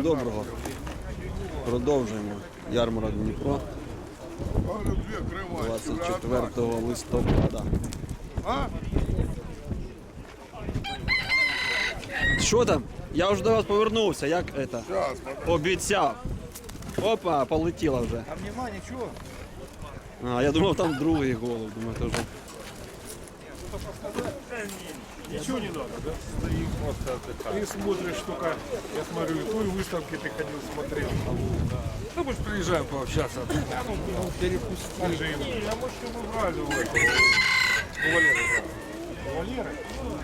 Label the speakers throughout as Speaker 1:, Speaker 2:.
Speaker 1: доброго. Продовжуємо. Ярмарок Дніпро. 24 листопада. Що там? Я вже до вас повернувся, як це? Обіцяв. Опа, полетіла вже.
Speaker 2: А нема нічого.
Speaker 1: А, я думав, там другий голуб. Думаю, це вже...
Speaker 2: Ничего не надо, да? Стоим просто отдыхаем. Ты смотришь только, я смотрю, и той выставки ты ходил, смотрел. Ну, может, приезжаем пообщаться. Перепусти. А может, мы брали у этого. У Валеры брали. У Валеры?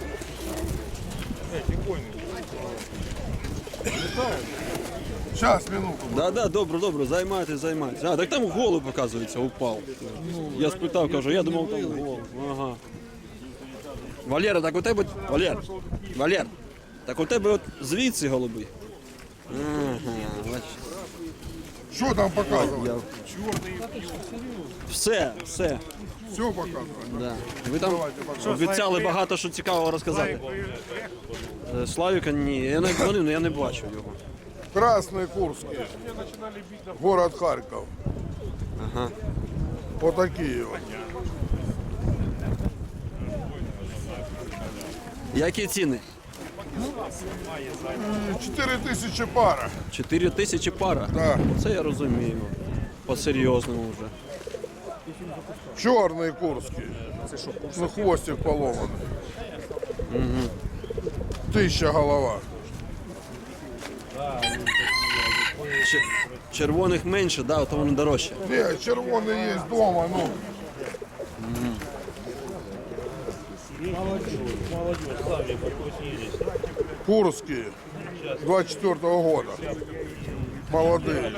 Speaker 2: Тихонько. Летают.
Speaker 3: Сейчас, минуту.
Speaker 1: Да, добре, займайтесь. А, так там голуб, оказується, упав. Я спитав, кажу, я думав, там голуб. Ага. Валера, так у тебе... Валер, так у тебе от звідси голуби. Ага, бачиш.
Speaker 3: Что там показывать?
Speaker 1: Я... Все.
Speaker 3: Все показывать.
Speaker 1: Да. Ви там обіцяли багато що цікавого розказати. Славіка ні, я не бачу його.
Speaker 3: Красный Курский. Город Харьков.
Speaker 1: Ага.
Speaker 3: Вот такие вот.
Speaker 1: Які ціни?
Speaker 3: 4000 пара.
Speaker 1: 4000 пара?
Speaker 3: Да.
Speaker 1: Це я розумію. По-серйозному вже.
Speaker 3: Черный Курский. Ну, хвостик поломанный. 1000 голова.
Speaker 1: Червоних менше, да, то вони дорожче.
Speaker 3: Не, червоный есть дома, ну. Курские. 24-го года. Молодые.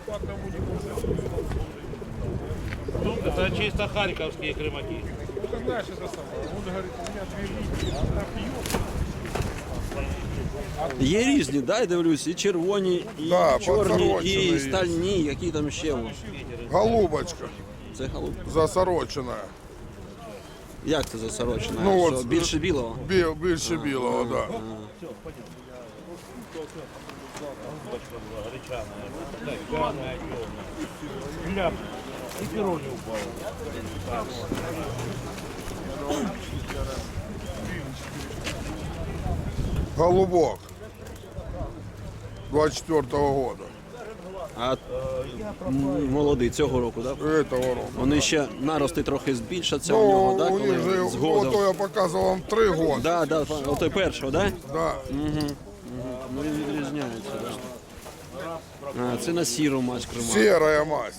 Speaker 4: Это чисто харьковские крымаки.
Speaker 2: Ты знаешь, это самое. Он говорит, у меня 2 линии. Она пьет.
Speaker 1: Є різні, да, я дивлюсь, і червоні, і
Speaker 3: Да,
Speaker 1: чорні,
Speaker 3: подсорочені
Speaker 1: і
Speaker 3: є.
Speaker 1: стальні, які там ще.
Speaker 3: Голубочка.
Speaker 1: Це голуб.
Speaker 3: Засороченная.
Speaker 1: Як це засорочено?
Speaker 3: Ну,
Speaker 1: Що,
Speaker 3: от,
Speaker 1: більше білого?
Speaker 3: Більше білого, да.
Speaker 4: Гляп. И перо не упало.
Speaker 3: Голубок. 24-го года.
Speaker 1: А молодий цього року, так? Да?
Speaker 3: Этого року.
Speaker 1: Вони ще нарости трохи збільшаться у нього,
Speaker 3: Ну,
Speaker 1: так?
Speaker 3: у них же,
Speaker 1: Коли згодом.
Speaker 3: ото я показував вам 3 года.
Speaker 1: Да, отой першого, так? Да?
Speaker 3: Да.
Speaker 1: Ну він відрізняється, так. Да. А, це на сіру мать крима.
Speaker 3: Серая мазь.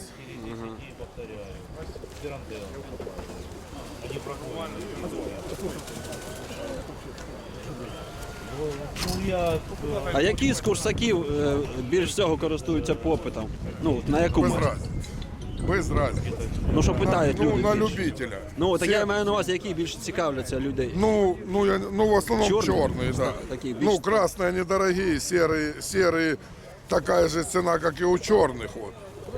Speaker 1: А які з курсаків більш всього користуються попитом? Ну, на яку
Speaker 3: Без
Speaker 1: мать?
Speaker 3: разницы. Без разницы.
Speaker 1: Ну, що питають
Speaker 3: Ну,
Speaker 1: люди
Speaker 3: на
Speaker 1: більше?
Speaker 3: любителя.
Speaker 1: Ну, так
Speaker 3: Все-
Speaker 1: я маю на увазі, які більше цікавляться людей.
Speaker 3: Ну, в основном
Speaker 1: Черные?
Speaker 3: черные, да.
Speaker 1: Такие
Speaker 3: Ну,
Speaker 1: більш-
Speaker 3: красные недорогие, серые такая же цена, как и у черных. Вот.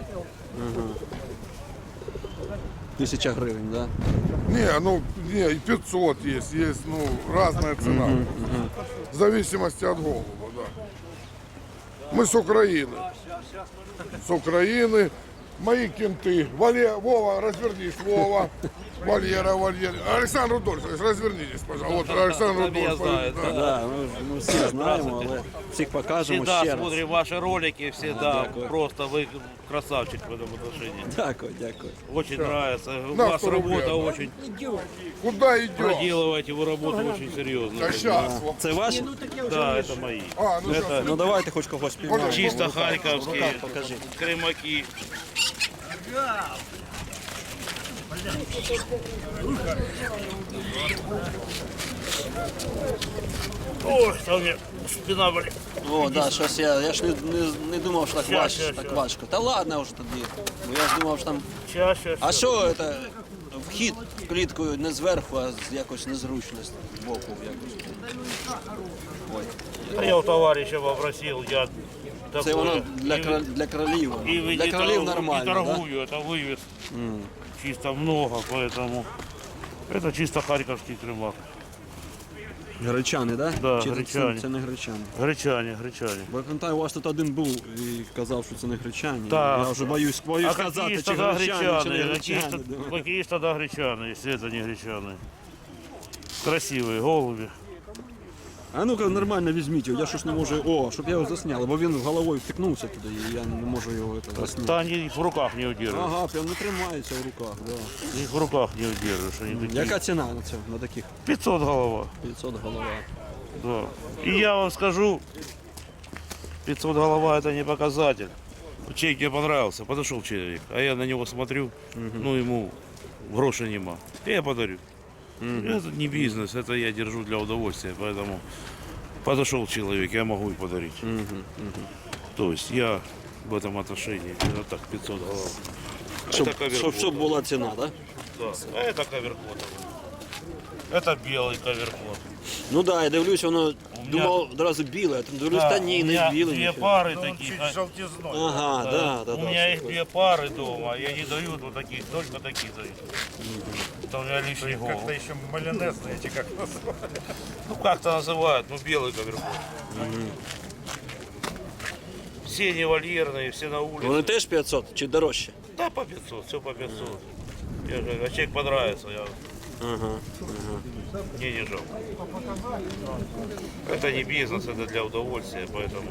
Speaker 1: 1000 гривень, так? Да?
Speaker 3: Не, и 500 есть, разная цена. В зависимости от голуба, да. Мы с Украины. С Украины. Мои кенты. Вова, развернись, Вова. Валера. Александр Рудольфович, развернитесь, пожалуйста. Вот Александр Рудольфович. Да.
Speaker 1: Да, ми всіх знаємо, але всіх покажемо
Speaker 4: Всегда
Speaker 1: ще раз.
Speaker 4: смотрим ваши ролики, всегда
Speaker 1: дякую.
Speaker 4: просто вы красавчик в этом отношении.
Speaker 1: Дякую.
Speaker 4: Очень нравится. У
Speaker 3: На
Speaker 4: вас
Speaker 3: 100 рублей
Speaker 4: работа
Speaker 3: отдам.
Speaker 4: очень.
Speaker 3: Куда идем?
Speaker 4: Проделываете вы работу очень серьезно.
Speaker 3: Да сейчас.
Speaker 1: Це ваші?
Speaker 4: Да, это мои.
Speaker 3: Сейчас.
Speaker 1: Ну давайте хоч когось піймаємо.
Speaker 4: Чисто
Speaker 1: В
Speaker 4: харьковские
Speaker 1: руках покажи.
Speaker 4: крымаки. Ой, там мне спина болит.
Speaker 1: О, да, щось я ж не думав, що так
Speaker 4: Щас.
Speaker 1: важко. Та ладно вже тоді. Бо я ж думав, що там...
Speaker 4: Чаще.
Speaker 1: А що це? Вхід в клітку не зверху, а з якось незручно з боку якось. Ой.
Speaker 4: Я у товарища попросил, я
Speaker 1: Це
Speaker 4: такое.
Speaker 1: воно для кролів.
Speaker 4: И
Speaker 1: Для кролів
Speaker 4: и
Speaker 1: нормально, да?
Speaker 4: торгую, это вывез. Чисто много, поэтому это чисто харьковский крымак.
Speaker 1: Гречани, да?
Speaker 4: Да,
Speaker 1: Чи
Speaker 4: гречани.
Speaker 1: це не гречани?
Speaker 4: Гречані.
Speaker 1: Бо я пам'ятаю, у вас тут один був і казав, що це не гречані.
Speaker 4: Так.
Speaker 1: Я вже боюсь
Speaker 4: А
Speaker 1: сказати,
Speaker 4: какие ж
Speaker 1: чи
Speaker 4: тогда
Speaker 1: гречани, чи не
Speaker 4: гречаны?
Speaker 1: гречани. Думаю.
Speaker 4: Какие ж тогда гречаны, если это не гречаны? Красивые голуби.
Speaker 1: А ну-ка нормально візьміть його, я щось не можу. О, щоб я його засняв, бо він головою втикнувся туди, і я не можу його засняти.
Speaker 4: Да они их в руках не удерживаешь.
Speaker 1: Ага, прям не тримається в руках, да.
Speaker 4: Их в руках не удержишь. Они такие.
Speaker 1: Яка ціна на це, на таких
Speaker 4: 500 голова.
Speaker 1: 500 голова?
Speaker 4: Да. И я вам скажу, 500 голова это не показатель. Чей мне понравился, подошел человек, а я на него смотрю, ну ему грошей нема. Я подарю. Это не бизнес, это я держу для удовольствия, поэтому подошел человек, я могу и подарить. То есть я в этом отношении, это так 500 голов.
Speaker 1: Щоб,
Speaker 4: Это коверкот.
Speaker 1: щоб була ціна, так? Да?
Speaker 4: Да. А это коверкот. Это белый коверкот.
Speaker 1: Ну так, да, я дивлюсь, воно думав одразу біле, а там дивлюсь, та ні,
Speaker 4: у
Speaker 1: не
Speaker 4: меня
Speaker 1: біле.
Speaker 4: две
Speaker 1: нічого.
Speaker 4: пары таких.
Speaker 1: Ага, да, да,
Speaker 4: У
Speaker 1: да.
Speaker 4: меня их
Speaker 1: все
Speaker 4: две пары дома, и они дают вот таких, только такие дают. Это у меня лишний голубь.
Speaker 2: Как-то еще майонезные эти как называют.
Speaker 4: Ну как-то называют, ну белый коверкот. Все невольерные, все на улице.
Speaker 1: Вони теж 500 чи дорожче?
Speaker 4: Да, по 500, все по 500. Я же, а человек понравится, я... Мне не жалко. Это не бизнес, это для удовольствия, поэтому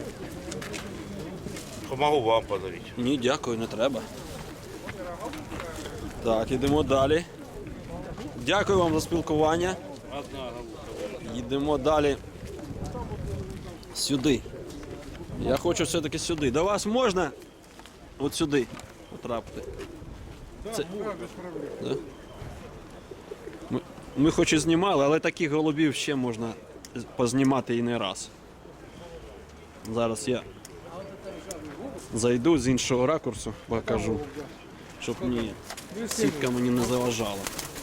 Speaker 4: могу вам подарить.
Speaker 1: Ні, дякую, не треба. Так, йдемо далі. Дякую вам за спілкування. Йдемо далі. Сюди. Я хочу все-таки сюди. До вас можна от сюди потрапити? Це... Да? Ми хоч і знімали, але таких голубів ще можна познімати і не раз. Зараз я зайду з іншого ракурсу, покажу, щоб сітка мені не заважала.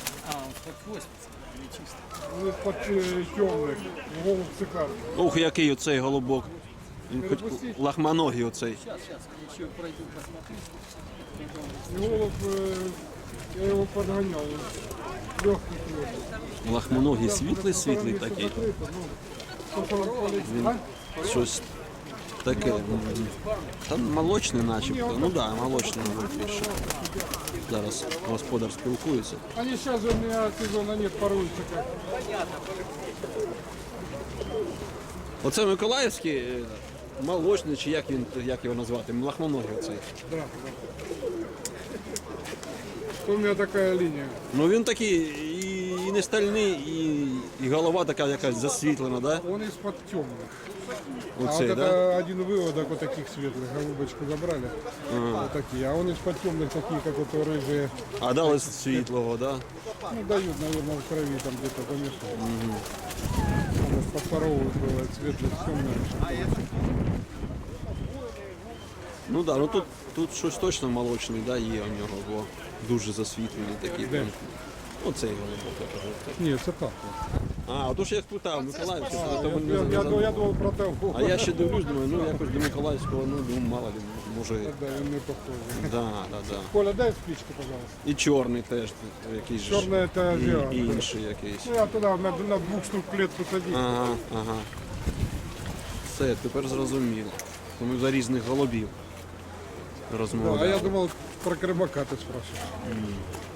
Speaker 2: Из-под темных, голубь цикарный.
Speaker 1: Ух, який оцей голубок. Він хоч лахманогий оцей.
Speaker 2: Голубь, я его подгонял. Легкий клёв.
Speaker 1: Лахманогий світлий такий. Він щось таке. Там молочний начебто. Ну так, да, молочний мабуть більше. Зараз господар спілкується.
Speaker 2: Они сейчас же у меня сезона нет, поруются как.
Speaker 1: Оце Миколаївський молочний, чи як його назвати? Лахманогий оцей.
Speaker 2: Да, да. У меня такая линия.
Speaker 1: Ну він такий і не стальний, і голова така якась засвітлена, да?
Speaker 2: Он из-под темных. А
Speaker 1: Оцей,
Speaker 2: вот
Speaker 1: да?
Speaker 2: это один выводок вот таких светлых, голубочку забрали. Вот такие. А он из-под темных такие, как вот рыжие.
Speaker 1: А дали світлого, да?
Speaker 2: Ну, дают, наверное, в крови там где-то помешано. Подпоровывают бывает светлых, темных.
Speaker 1: Ну так, да, ну тут щось точно молочний, да, є у нього, бо дуже засвітлений такий.
Speaker 2: Де?
Speaker 1: Оцей голубок, я кажу.
Speaker 2: Нет, это так.
Speaker 1: А, отож я спитав Миколаївський,
Speaker 2: Я думал про того.
Speaker 1: а я ще дивлюсь, думаю, ну якось до Миколаївського, ну думаю, мало ли, може.
Speaker 2: Да, он не похож.
Speaker 1: Да.
Speaker 2: Коля, дай спичку, пожалуйста.
Speaker 1: І чорний теж якийсь. же ж.
Speaker 2: Черная это азиат.
Speaker 1: І інший якийсь.
Speaker 2: Ну, я туда на 2 штук плед посадил.
Speaker 1: Ага. Все, тепер зрозуміло. То ми за різних голубів
Speaker 2: Да, а
Speaker 1: розмовляли.
Speaker 2: я думал, про Кремака ты спрашиваешь.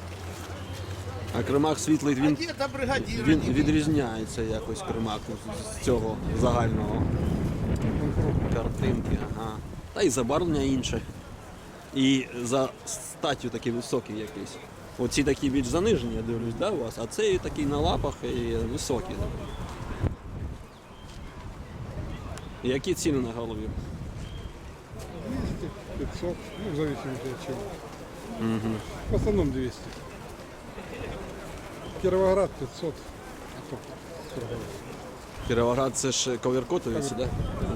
Speaker 1: А кримак світлий, він відрізняється якось кримак з цього загального картинки. Ага. Та і забарвлення інше. І за статтю такий високий якийсь. Оці такі більш занижені, я дивлюсь, да, у вас, а цей такий на лапах і високий. Які ціни на голові?
Speaker 2: 200, 500, ну, в зависимости от чего. В основном 200. Кировоград 500. А то Кировоград.
Speaker 1: Кіровоград це ж коверкотовіці, так? Да?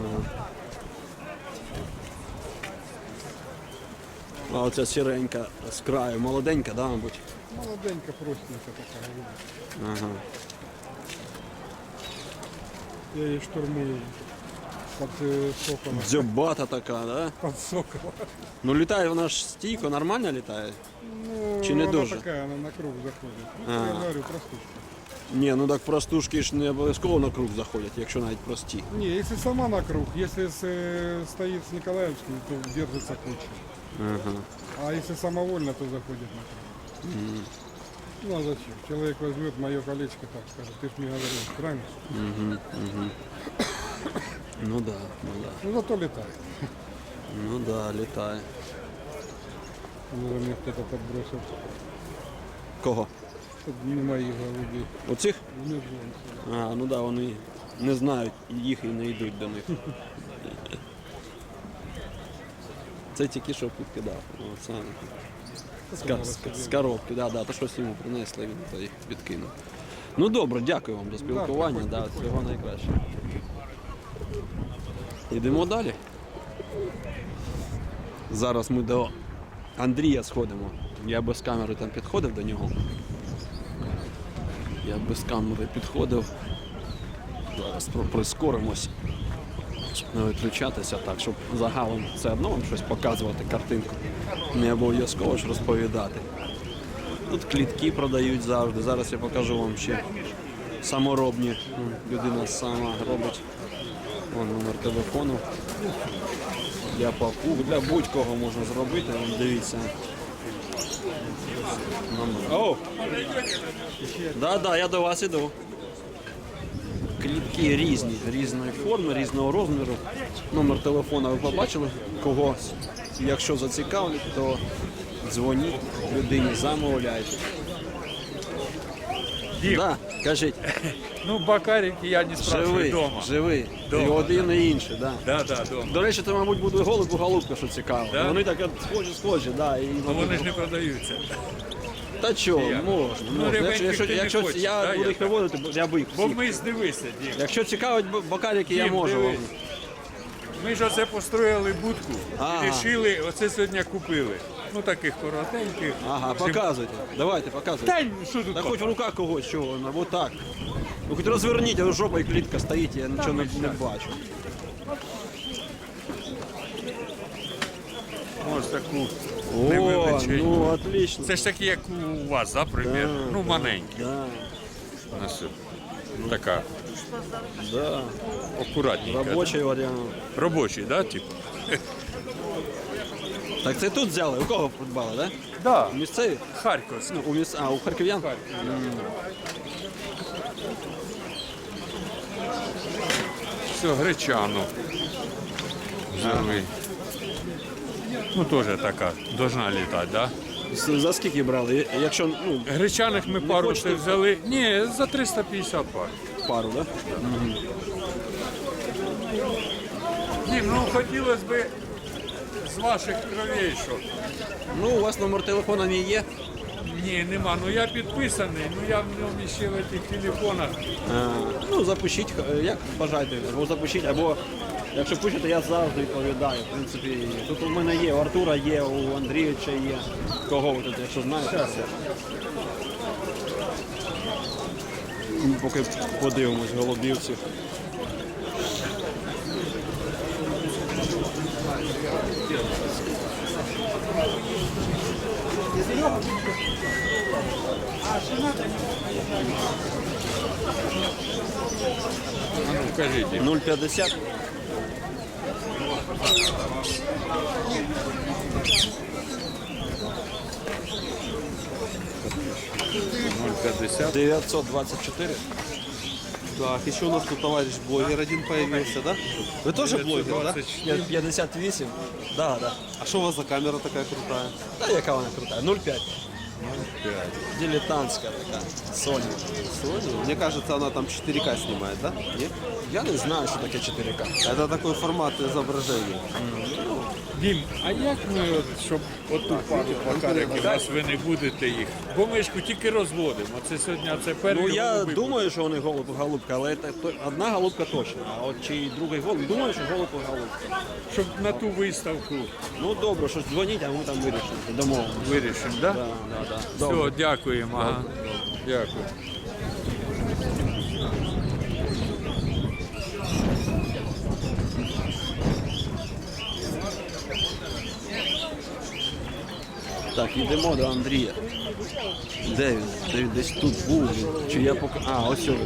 Speaker 1: А оця сіренька з краю, молоденька, да, мабуть?
Speaker 2: Молоденька, простенька такая.
Speaker 1: Ага.
Speaker 2: Я ее штурмую. под соколом.
Speaker 1: Дзьобата така, да?
Speaker 2: Под соколом.
Speaker 1: Ну літає вона ж стійко, нормально літає?
Speaker 2: Ну,
Speaker 1: Чи не
Speaker 2: она
Speaker 1: дуже?
Speaker 2: такая, она на круг заходит. Ну,
Speaker 1: А.
Speaker 2: я говорю, простушка.
Speaker 1: Ні, ну так простушки ж не обов'язково на круг заходять, якщо навіть прості.
Speaker 2: Не, если сама на круг, если стоит с Николаевским, то держится куча.
Speaker 1: Ага.
Speaker 2: А если самовольно, то заходит на круг. Ну а зачем? Человек возьмет мое колечко, так скажет, ты ж мне говорил, правильно?
Speaker 1: Ну да, ну да.
Speaker 2: Ну зато летает.
Speaker 1: Ну да, літає.
Speaker 2: Ну, мне кто-то подбросил.
Speaker 1: Кого?
Speaker 2: Тут не моих голубей.
Speaker 1: Оцих?
Speaker 2: Не знаю.
Speaker 1: А, ну да, вони не знають їх і не йдуть до них. Це тільки що підкидав. Оце. З коробки, да, да, то щось йому принесли, він то їх підкинув. Ну добре, дякую вам за спілкування, да, всього найкращого. Йдемо далі. Зараз ми до Андрія сходимо. Я без камери там підходив до нього. Я без камери підходив. Зараз прискоримось, щоб не виключатися так, щоб загалом все одно вам щось показувати, картинку. Не обов'язково ж розповідати. Тут клітки продають завжди. Зараз я покажу вам ще саморобні. Людина сама робить. Вон номер телефону. Для папуг, для будь-кого можна зробити. Вон, дивіться. О! Да, я до вас іду. Клітки різні, різної форми, різного розміру. Номер телефона ви побачили когось. Якщо зацікавлять, то дзвоніть людині, замовляйте.
Speaker 5: Дім.
Speaker 1: Да, кажіть,
Speaker 5: Ну, бакарики я не спрашиваю
Speaker 1: живий,
Speaker 5: дома.
Speaker 1: живий. І
Speaker 5: Дома,
Speaker 1: один, і інший, да.
Speaker 5: Да, дома.
Speaker 1: До речі, це, мабуть, буде голубка, що цікаво.
Speaker 5: Да?
Speaker 1: Вони так от схожі, да. І,
Speaker 5: Ну вони ж не продаються.
Speaker 1: Та чого,
Speaker 5: як?
Speaker 1: можна.
Speaker 5: Ну, рябеньких ти не
Speaker 1: якщо
Speaker 5: хочеш,
Speaker 1: я
Speaker 5: да,
Speaker 1: буду їх
Speaker 5: я
Speaker 1: виводити, я би їх
Speaker 5: Бо
Speaker 1: всіх.
Speaker 5: ми дивися, Дім.
Speaker 1: Якщо цікавить бакарики, я
Speaker 5: Дім,
Speaker 1: можу вам.
Speaker 5: дивись. Ми ж оце построїли будку
Speaker 1: Ага.
Speaker 5: і вирішили, оце сьогодні купили. Ну таких коротеньких.
Speaker 1: Ага, показуйте. Давайте, показуйте.
Speaker 5: Та що тут?
Speaker 1: Та хоч в руках когось чого, вот так. Ну хоч розверніть, а жопа і клітка стоїть, я нічого не бачу.
Speaker 5: Ось таку
Speaker 1: О,
Speaker 5: невеличеньку.
Speaker 1: ну отлично.
Speaker 5: Це ж такі, як у вас, да, примірно? Ну, маленькі.
Speaker 1: Да,
Speaker 5: У нас така
Speaker 1: да.
Speaker 5: акуратненька.
Speaker 1: Робочий варіант.
Speaker 5: Робочий, да, типу?
Speaker 1: Так це тут взяли? У кого придбали, да?
Speaker 5: Да.
Speaker 1: Місцеві?
Speaker 5: Харківський.
Speaker 1: У харків'ян?
Speaker 5: Все, гречану взяли. Ну, теж така, должна літати, да?
Speaker 1: За скільки брали? Якщо, ну,
Speaker 5: Гречаних ми пару
Speaker 1: хочете?
Speaker 5: ще взяли. Ні, за 350 пар.
Speaker 1: пару, да?
Speaker 5: Ні, ну хотілося б з ваших кровей, що.
Speaker 1: Ну, у вас номер телефона не є?
Speaker 5: Ні, нема. Ну я підписаний, ну я в ньому ще в цих телефонах.
Speaker 1: Ну, запишіть, як бажаєте, або запишіть, або якщо пишете, я завжди відповідаю. В принципі, тут у мене є, у Артура є, у Андрійовича є. Кого ви тут, якщо знаєте? Поки подивимось голубівців.
Speaker 5: А ну, кажіть.
Speaker 1: 0,50.
Speaker 5: $0,50.
Speaker 1: 924.
Speaker 6: Так, еще у нас тут товарищ блогер один появился, да? Вы тоже блогер, да?
Speaker 1: 58. Да, да.
Speaker 6: А что у вас за камера такая крутая?
Speaker 1: Та яка вона крута? 0,5. Дилетантська така. Sony.
Speaker 6: Sony? Мне кажется, она там 4К снимает, да? Нет?
Speaker 1: Я не знаю, що таке 4К.
Speaker 6: Это такой формат изображения.
Speaker 5: Дім, а як ми, от, щоб оту пару бакариків, раз ви не будете їх? Бо ми ж тільки розводимо. Це сьогодні, це перший
Speaker 1: Ну я
Speaker 5: голуби
Speaker 1: думаю, що вони голубка, але одна голубка точно. А от чи другий голуб, думаю, що голубка голубка.
Speaker 5: будуть. Щоб на ту виставку
Speaker 1: Ну добре, щось дзвоніть, а ми там вирішимо. Домовимося.
Speaker 5: вирішимо, так?
Speaker 1: Да, да, да. Добре.
Speaker 5: Все, дякуємо. Ага. Дякую.
Speaker 1: Так, йдемо до Андрія. Де він? Де він? Десь тут був. Чи я поки. А, ось він.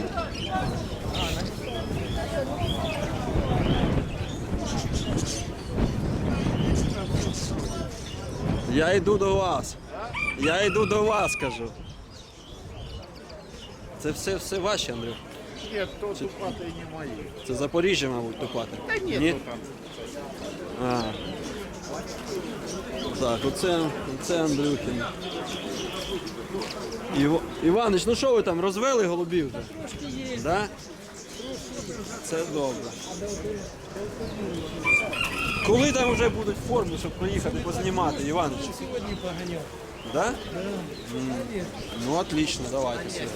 Speaker 1: Я йду до вас. Я йду до вас, кажу. Це все ваші, Андрюх?
Speaker 7: Ні, то тупати не мої.
Speaker 1: Це Запоріжжя, мабуть, тупати.
Speaker 7: Та ні, то там.
Speaker 1: А. Так, оце Андрюхін. Іванич, ну що ви там, розвели голубів? Трошки є. Да? Це добре. Коли там вже будуть форми, щоб приїхати познімати, Іванич?
Speaker 8: Сьогодні поганяв.
Speaker 1: Да? Ну, отлично, давайте сьогодні.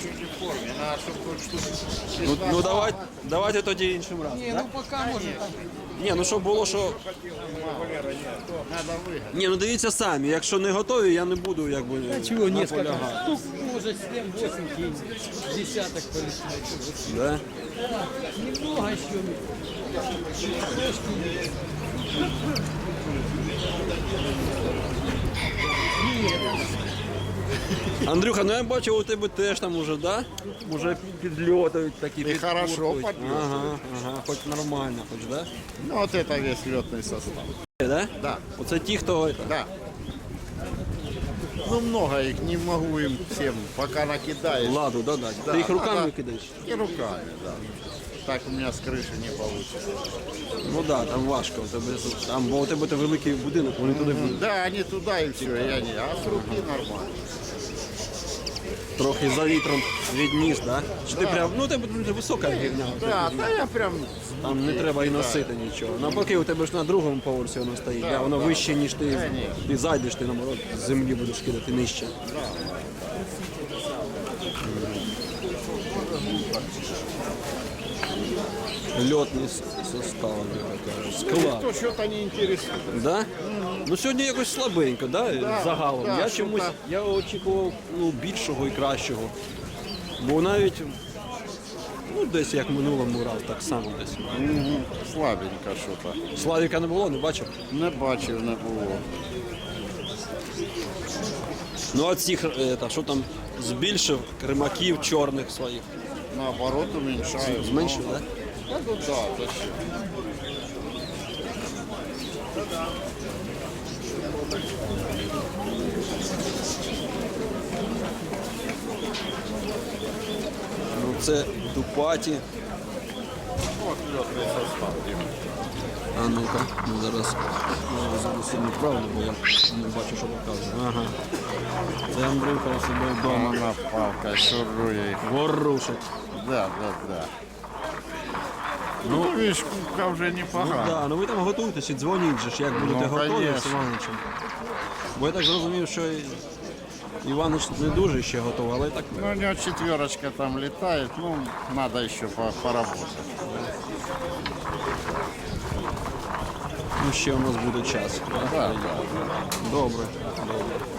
Speaker 1: Ну давайте тоді іншим разом.
Speaker 8: Ні,
Speaker 1: да?
Speaker 8: ну поки може там.
Speaker 1: Ні, ну щоб було, що. Ні, ну дивіться самі, якщо не готові, я не буду якби
Speaker 8: Чего несколько?
Speaker 1: наполягати.
Speaker 8: Штук, может, 7-8 кинь. Десяток полетит.
Speaker 1: Да?
Speaker 8: Немного еще.
Speaker 1: Андрюха, ну я бачив, у тебе теж там уже, да? Уже підльотують такі.
Speaker 7: І хорошо
Speaker 1: підпурхують.
Speaker 7: підльотують.
Speaker 1: Ага, хоч нормально, хоч, да?
Speaker 7: Ну, вот это весь летный состав.
Speaker 1: Да?
Speaker 7: Да,
Speaker 1: Оце ті, хто.
Speaker 7: да. Ну, много их, не могу им всем, пока накидаешь.
Speaker 1: Ладу, да.
Speaker 7: Да,
Speaker 1: Ти їх руками
Speaker 7: да.
Speaker 1: кидаєш?
Speaker 7: И руками, да. Так у меня с крыши не получится.
Speaker 1: Ну так, да, там важко. Бо у тебе великий будинок, вони туди будуть.
Speaker 7: Да, они туда и все, я не. А с руки нормально.
Speaker 1: Трохи за вітром відніс, да? Чи ти прям, ну у тебе дуже висока гівня.
Speaker 7: Да, да, я прям.
Speaker 1: Там не треба і носити нічого. Навпаки, у тебе ж на другому поверсі воно стоїть, да? Воно вище, ніж ти зайдеш, ти наоборот з землі будеш кидати нижче. Льотний состав, склад.
Speaker 7: То что-то не интересует.
Speaker 1: Да? Ну сьогодні якось слабенько, да? Загалом.
Speaker 7: да,
Speaker 1: Я
Speaker 7: що
Speaker 1: чомусь
Speaker 7: так.
Speaker 1: я очікував більшого і кращого. Бо навіть десь як минулому разу, так само десь.
Speaker 7: Слабенько что-то.
Speaker 1: Славіка не було, не бачив.
Speaker 7: Не бачив, не було.
Speaker 1: Ну а цих, що там, збільшив кримаків чорних своїх.
Speaker 7: Наоборот, уменьшаю.
Speaker 1: Зменшив, так?
Speaker 7: Да, ну да, зачем?
Speaker 1: Ну це Дупаті.
Speaker 7: Вот летный состав.
Speaker 1: А ну-ка, ну зараз зараз неправильно, бо я не бачу, що показує. Ага. Це Андрюха у себе вдома.
Speaker 7: Она палка, шурує.
Speaker 1: Ворушить.
Speaker 7: Да, да, да. Ну, видишь, кубка вже
Speaker 1: Ну
Speaker 7: непогана.
Speaker 1: да, ну ви там готуєтеся, дзвоніть же ж, як будете готові з
Speaker 7: конечно.
Speaker 1: Іваничем. Бо я так зрозумів, що Іванич не дуже ще готовий, але так.
Speaker 7: Ну, у него четверочка там летает, ну, надо еще поработать.
Speaker 1: Ну ще у нас буде час.
Speaker 7: Да, да.
Speaker 1: Добре, добре.